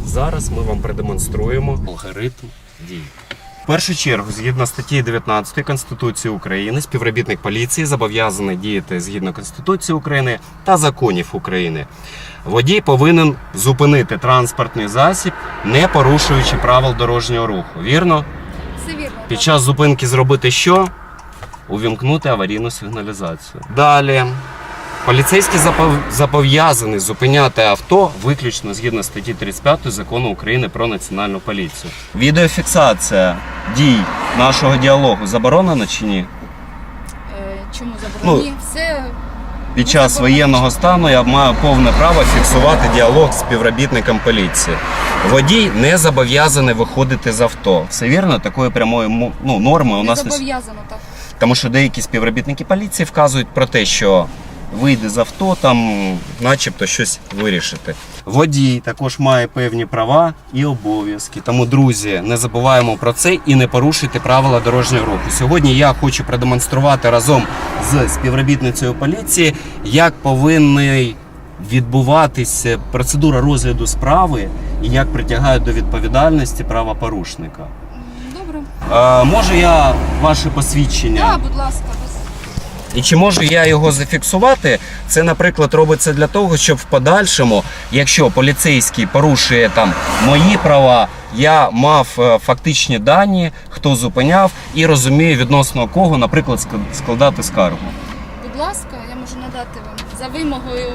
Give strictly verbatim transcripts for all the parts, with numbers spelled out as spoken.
Зараз ми вам продемонструємо алгоритм дій. В першу чергу, згідно статті дев'ятнадцятої Конституції України, співробітник поліції зобов'язаний діяти згідно Конституції України та законів України. Водій повинен зупинити транспортний засіб, не порушуючи правил дорожнього руху. Вірно? Все вірно. Під час зупинки зробити що? Увімкнути аварійну сигналізацію. Далі. Поліцейський зобов'язаний зупиняти авто виключно згідно статті тридцять п'ятої Закону України про Національну поліцію. Відеофіксація дій нашого діалогу заборонена чи ні? Е, чому заборонені? Ну, Все Під час воєнного стану я маю повне право фіксувати діалог з співробітником поліції. Водій не зобов'язаний виходити з авто. Все вірно? Такої прямої ну, норми у не нас не зобов'язано, так. Тому що деякі співробітники поліції вказують про те, що вийде з авто, там начебто щось вирішити. Водій також має певні права і обов'язки. Тому, друзі, не забуваємо про це і не порушуйте правила дорожнього руху. Сьогодні я хочу продемонструвати разом з співробітницею поліції, як повинна відбуватися процедура розгляду справи і як притягають до відповідальності правопорушника. Добре. Е, може я ваше посвідчення? Так, будь ласка. І чи можу я його зафіксувати? Це, наприклад, робиться для того, щоб в подальшому, якщо поліцейський порушує там мої права, я мав фактичні дані, хто зупиняв і розумію, відносно кого, наприклад, складати скаргу. Будь ласка, я можу надати вам за вимогою.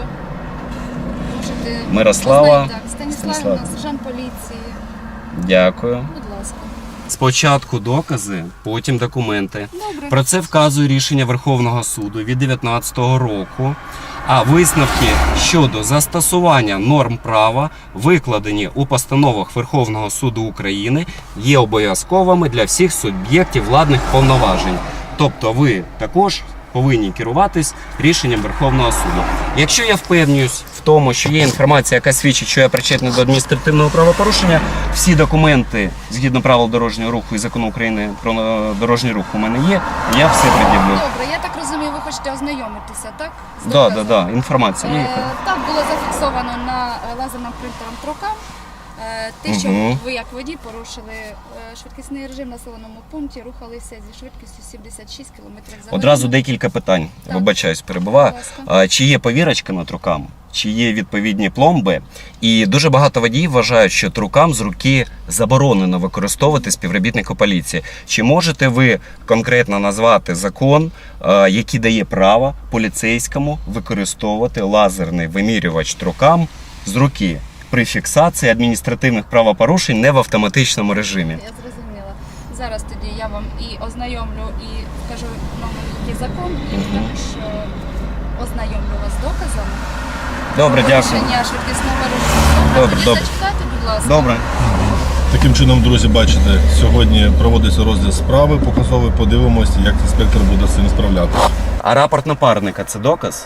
Можете Мирослава. Так, Станіславівна, сержант поліції. Дякую. Будь ласка. Спочатку докази, потім документи. Добре. Про це вказує рішення Верховного суду від дев'ятнадцятого року. А висновки щодо застосування норм права, викладені у постановах Верховного суду України, є обов'язковими для всіх суб'єктів владних повноважень. Тобто ви також повинні керуватись рішенням Верховного суду. Якщо я впевнююсь в тому, що є інформація, яка свідчить, що я причетний до адміністративного правопорушення, всі документи, згідно правил дорожнього руху і Закону України про дорожній рух у мене є, я все пред'явлю. Добре, я так розумію, ви хочете ознайомитися, так? З Да, да, доказом? да, інформація є. Е, Так, було зафіксовано на е, лазерним принтером трокам. Е, Те, що Мгм. ви як водій порушили е, швидкісний режим в населеному пункті, рухалися зі швидкістю сімдесят шість кілометрів за годину. Одразу декілька питань. Так. Вибачаюсь, перебуваю. Будь ласка. А, Чи є повірочка над руками? Чи є відповідні пломби? І дуже багато водіїв вважають, що трукам з руки заборонено використовувати співробітника поліції. Чи можете ви конкретно назвати закон, а, який дає право поліцейському використовувати лазерний вимірювач трукам з руки при фіксації адміністративних правопорушень не в автоматичному режимі? Я зрозуміла. Зараз тоді я вам і ознайомлю, і скажу номер, який закон, і Мгм. також е, ознайомлю вас з доказами. Добре, дякую. Порушення швидкісного режиму. Добре, Тоді добре. зачекайте, будь ласка. Добре. Таким чином, друзі, бачите, сьогодні проводиться розгляд справи показовий, подивимося, як інспектор буде з цим справлятися. А рапорт напарника – це доказ?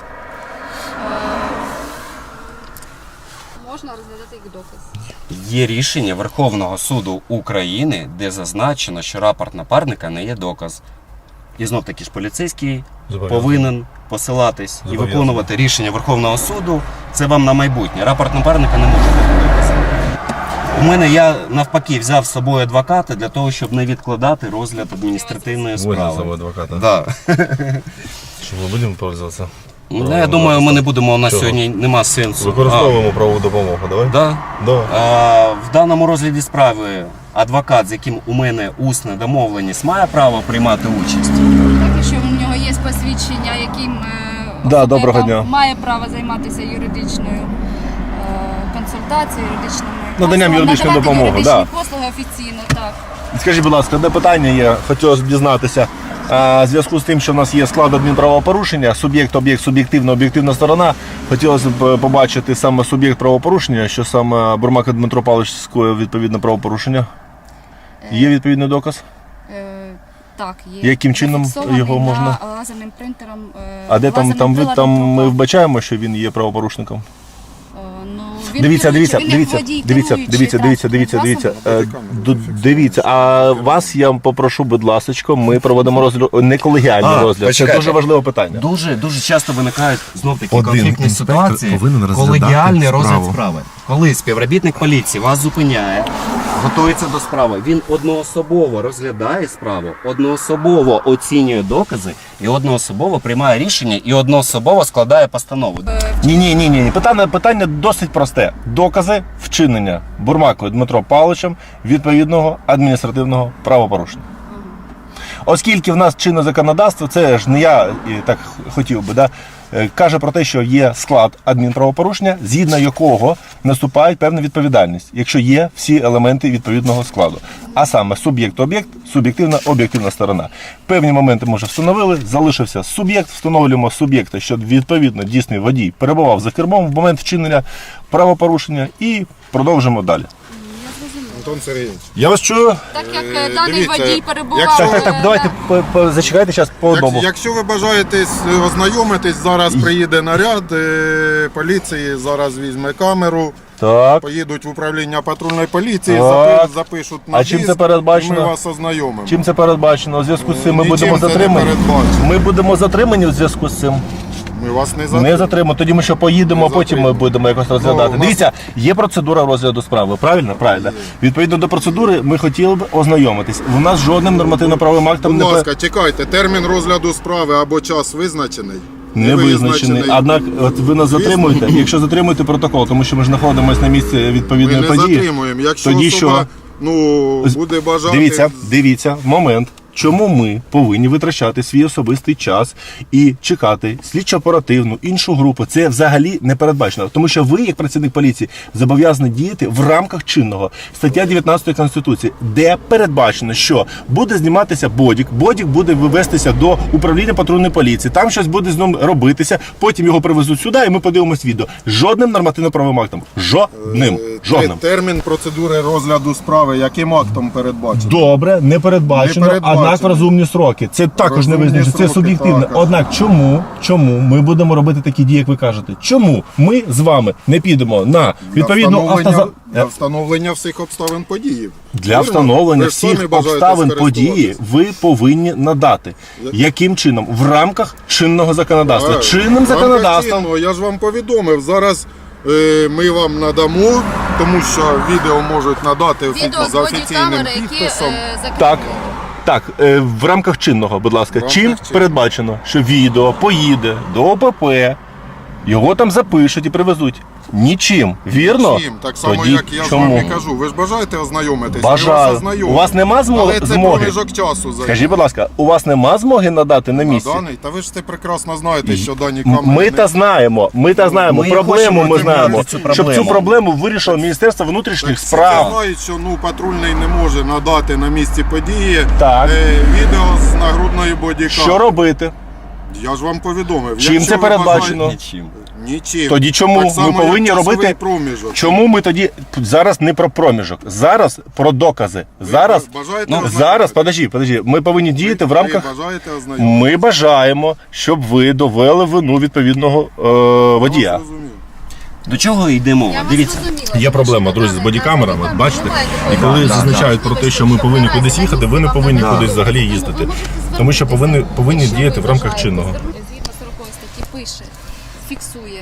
Можна розглядати як доказ. Є рішення Верховного суду України, де зазначено, що рапорт напарника не є доказ. І знов таки ж поліцейський повинен посилатись і виконувати рішення Верховного суду. Це вам на майбутнє. Рапорт напарника не може бути доказом. У мене я навпаки взяв з собою адвоката для того, щоб не відкладати розгляд адміністративної Возьмемо справи. адвоката. Да. Що ми будемо пользуватися? Ну, я думаю, ми не будемо, у нас Чого? сьогодні нема сенсу. Використовуємо правову допомогу, давай? А, да? Да. А, в даному розгляді справи адвокат, з яким у мене усна домовленість, має право приймати участь? Так, якщо у нього є посвідчення, яким е, Да, особа доброго дня. має право займатися юридичною е, консультацією, юридичними Наданням послугами, юридичної надавати допомоги, юридичні да. послуги офіційно, так. Скажіть, будь ласка, одне питання є, хотілося б дізнатися. А, в зв'язку з тим, що в нас є склад адмінправопорушення, суб'єкт, об'єкт, суб'єктивна, об'єктивна сторона, хотілося б побачити саме суб'єкт правопорушення, що саме Бурмак Дмитро Павлович скоїв відповідне правопорушення. Є відповідний доказ? Е, так, є. Яким чином Зафіксований його можна? на лазерним принтером. Е, А де там, лазерним там, ви, приладом там ми трукам. вбачаємо, що він є правопорушником? Е, ну, Він Дивіться, дивіться, керуючий, він як дивіться, водій, дивіться, керуючий дивіться, дивіться, дивіться, транспортним дивіться. засобом. Е, ду- Дивіться, а вас я попрошу, будь ласочка, ми проведемо розгляд, не колегіальний А, розгляд. Це почекайте. дуже важливе питання. Дуже дуже часто виникають знов такі Один конфліктні інспектор ситуації. повинен розглядати Колегіальний розгляд справу. справи. Коли співробітник поліції вас зупиняє, готується до справи, він одноособово розглядає справу, одноособово оцінює докази і одноособово приймає рішення і одноособово складає постанову. Ні, ні, ні, ні. Питання, питання досить просте. Докази вчинення Бурмакою Дмитро Павловичем відповідного адміністративного правопорушення. Оскільки в нас чинне законодавство, це ж не я і так хотів би, да, е, каже про те, що є склад адмінправопорушення, згідно якого наступає певна відповідальність, якщо є всі елементи відповідного складу. А саме суб'єкт-об'єкт, суб'єктивна, об'єктивна сторона. Певні моменти ми вже встановили, залишився суб'єкт, встановлюємо суб'єкта, що відповідно дійсний водій перебував за кермом в момент вчинення правопорушення і продовжимо далі. Антон Сергійович, Я вас чую. Так як Е, е, даний дивіться, водій перебував... якщо- Так, так, так, е, давайте да. по- по- зачекайте зараз по одному. як, якщо ви бажаєте ознайомитись, зараз приїде наряд е, поліції, зараз візьме камеру, Так. поїдуть в управління патрульної поліції, Так. запи- запишуть на А чим диск, це передбачено? і ми вас ознайомимо. Чим це передбачено? У зв'язку з цим ми Нічим будемо це не затримані. передбачено. Ми будемо затримані у зв'язку з цим. Ми вас не затримаємо. Не затримаємо. Тоді ми що поїдемо, а Не потім ми затримаємо. будемо якось розглядати. Ну, у нас- Дивіться, є процедура розгляду справи. Правильно? Правильно. Відповідно до процедури, ми хотіли б ознайомитись. У нас жодним нормативно-правовим актом Будь не, ласка, чекайте, термін розгляду справи або час визначений? не визначений. Однак, от ви нас затримуєте. Якщо затримуєте протокол, тому що ми ж знаходимося на місці Ми відповідної не події. затримуємо. Якщо Тоді особа що? ну, буде бажати... Дивіться, дивіться, момент. Чому ми повинні витрачати свій особистий час і чекати слідчо-оперативну іншу групу? Це взагалі не передбачено. Тому що ви, як працівник поліції, зобов'язані діяти в рамках чинного стаття дев'ятнадцятої Конституції, де передбачено, що буде зніматися бодік, бодік буде вивестися до управління патрульної поліції, там щось буде з ним робитися, потім його привезуть сюди, і ми подивимось відео. Жодним нормативно-правовим актом. Жодним. Е, Жодним. Термін процедури розгляду справи яким актом передбачено? Добре, не передбачено, Не передбачено. однак в розумні сроки. Це також Розумні не визначено, це сроки, суб'єктивно. так. Однак чому, чому ми будемо робити такі дії, як ви кажете? Чому ми з вами не підемо на відповідну для встановлення, автоза... для встановлення всіх обставин події. Для Вірно? встановлення Ви ж самі всіх бажаєте обставин події скористуватись. ви повинні надати. Яким чином? В рамках чинного законодавства. Так. Чинним В рамках законодавством. чинного, я ж вам повідомив. Зараз е, ми вам надамо, тому що відео можуть надати Відео з за офіційним бодікамери, які підписом. е, закріплені. Так. Так, е, в рамках чинного, будь ласка, рамках чим чинного. передбачено, що відео поїде до ОПП, його там запишуть і привезуть? Нічим. Вірно? Чим? Так само, Тоді як я з чому? вами кажу. Ви ж бажаєте ознайомитись? Ми вас Бажаю. ознайомимо. У вас нема змо- Але це змоги? проміжок часу займає. Скажіть, будь ласка, у вас нема змоги надати на На місці? даний? Та ви ж це прекрасно знаєте, що дані М- камери... Ми не- та знаємо, ми та знаємо, Ми проблему хочемо ми отримати знаємо, цю щоб цю проблему. проблему вирішило Міністерство внутрішніх Так, справ. всі знають, що ну, патрульний не може надати на місці події Так. е, відео з нагрудної бодікамери. Що робити? Я ж вам повідомив. Чим Якщо це ви передбачено? бажаєте- Нічим. Нічим. Тоді чому Так само, ми повинні як часовий робити- проміжок. Чому ми тоді зараз не про проміжок, зараз про докази. Зараз, Ви бажаєте ну, ознайомитись? зараз, подожди, подожди, ми повинні діяти в Ви рамках. бажаєте ознайомитись? Ми бажаємо, щоб ви довели вину відповідного е, водія. Я зрозумів. До чого йде мова? Я вас Дивіться. зрозуміла, Є тому проблема, що друзі, з на бодікамерами, бодікамері бачите? бувають І коли такі зазначають про те, що ми повинні кудись їхати, ви не повинні Да. кудись взагалі їздити. Ви можете Тому що повинні, звернутися. повинні Якщо діяти ви в рамках бажаєте чинного. звернутися, Згідно сорокової статті пише, фіксує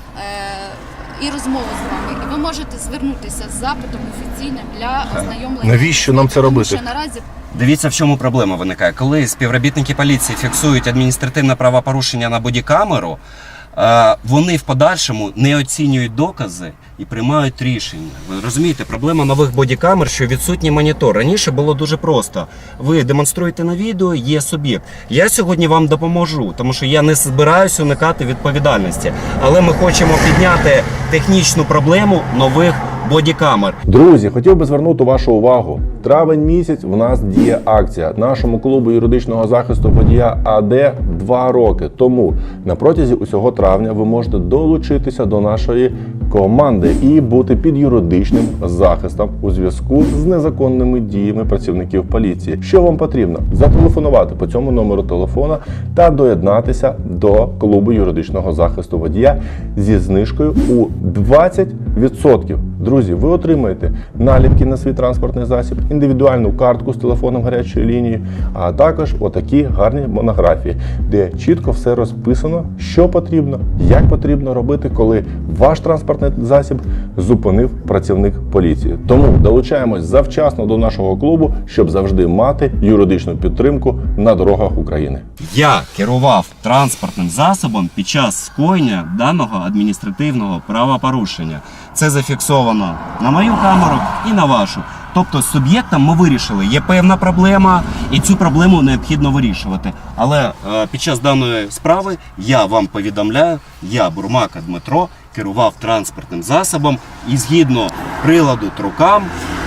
е, і розмову з вами. І ви можете звернутися з запитом офіційним для ознайомлення. Навіщо нам це Тому робити? що наразі Дивіться, в чому проблема виникає. Коли співробітники поліції фіксують адміністративне правопорушення на бодікамеру, е, вони в подальшому не оцінюють докази і приймають рішення. Ви розумієте, проблема нових бодікамер, що відсутній монітор. Раніше було дуже просто. Ви демонструєте на відео, є суб'єкт. Я сьогодні вам допоможу, тому що я не збираюся уникати відповідальності. Але ми хочемо підняти технічну проблему нових бодікамер. Друзі, хотів би звернути вашу увагу. Травень місяць в нас діє акція. Нашому клубу юридичного захисту водія АД два роки. Тому на протязі усього травня ви можете долучитися до нашої команди і бути під юридичним захистом у зв'язку з незаконними діями працівників поліції. Що вам потрібно? Зателефонувати по цьому номеру телефона та доєднатися до клубу юридичного захисту водія зі знижкою у двадцять відсотків. Друзі, ви отримаєте наліпки на свій транспортний засіб, індивідуальну картку з телефоном гарячої лінії, а також отакі гарні монографії, де чітко все розписано, що потрібно, як потрібно робити, коли ваш транспортний засіб зупинив працівник поліції. Тому долучаємось завчасно до нашого клубу, щоб завжди мати юридичну підтримку на дорогах України. Я керував транспортним засобом під час скоєння даного адміністративного правопорушення. Це зафіксовано на мою камеру і на вашу. Тобто з суб'єктом ми вирішили, є певна проблема, і цю проблему необхідно вирішувати. Але е, під час даної справи я вам повідомляю, я, Бурмака Дмитро, керував транспортним засобом і згідно приладу трукам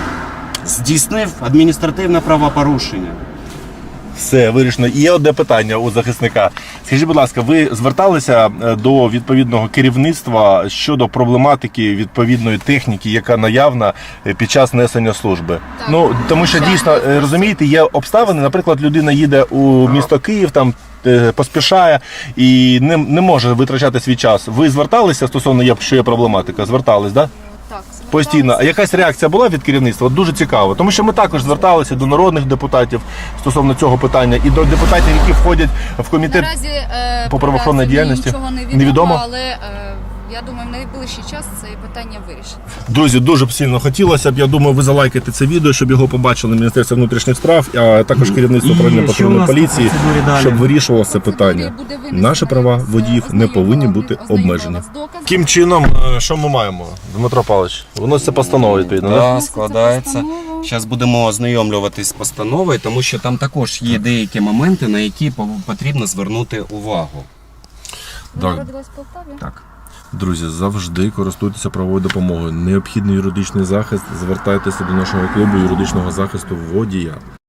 здійснив адміністративне правопорушення. Все вирішено. І є одне питання у захисника. Скажіть, будь ласка, ви зверталися до відповідного керівництва щодо проблематики відповідної техніки, яка наявна під час несення служби? Так. Ну тому що дійсно розумієте, є обставини. Наприклад, людина їде у місто Київ, там е, поспішає і не, не може витрачати свій час. Ви зверталися стосовно є, що є проблематика? Звертались, так? Да? Так, Постійно. А якась реакція була від керівництва? Дуже цікаво. Тому що ми також зверталися до народних депутатів стосовно цього питання і до депутатів, які входять в комітет. Наразі е, по правоохоронній наразі діяльності? нічого не відомо, Невідомо? але е, я думаю, в найближчий час це питання вирішить. Друзі, дуже б сильно хотілося б. Я думаю, ви залайкаєте це відео, щоб його побачили Міністерство внутрішніх справ, а також керівництво І управління що у патрульної нас по поліції, процедурі далі? щоб вирішувало це Процедурі питання. буде винесено Наші права якось, водіїв не повинні бути ознайомлена обмежені. з доказом. Яким чином, що ми маємо, Дмитро Павлович? Виноситься постанова відповідно, так? Да, Да? складається. Постанова. Зараз будемо ознайомлюватись з постановою, тому що там також є деякі моменти, на які пов- потрібно звернути увагу. Ви Так. народились в Полтаві? Так. Друзі, завжди користуйтеся правовою допомогою. Необхідний юридичний захист, звертайтеся до нашого клубу юридичного захисту водія.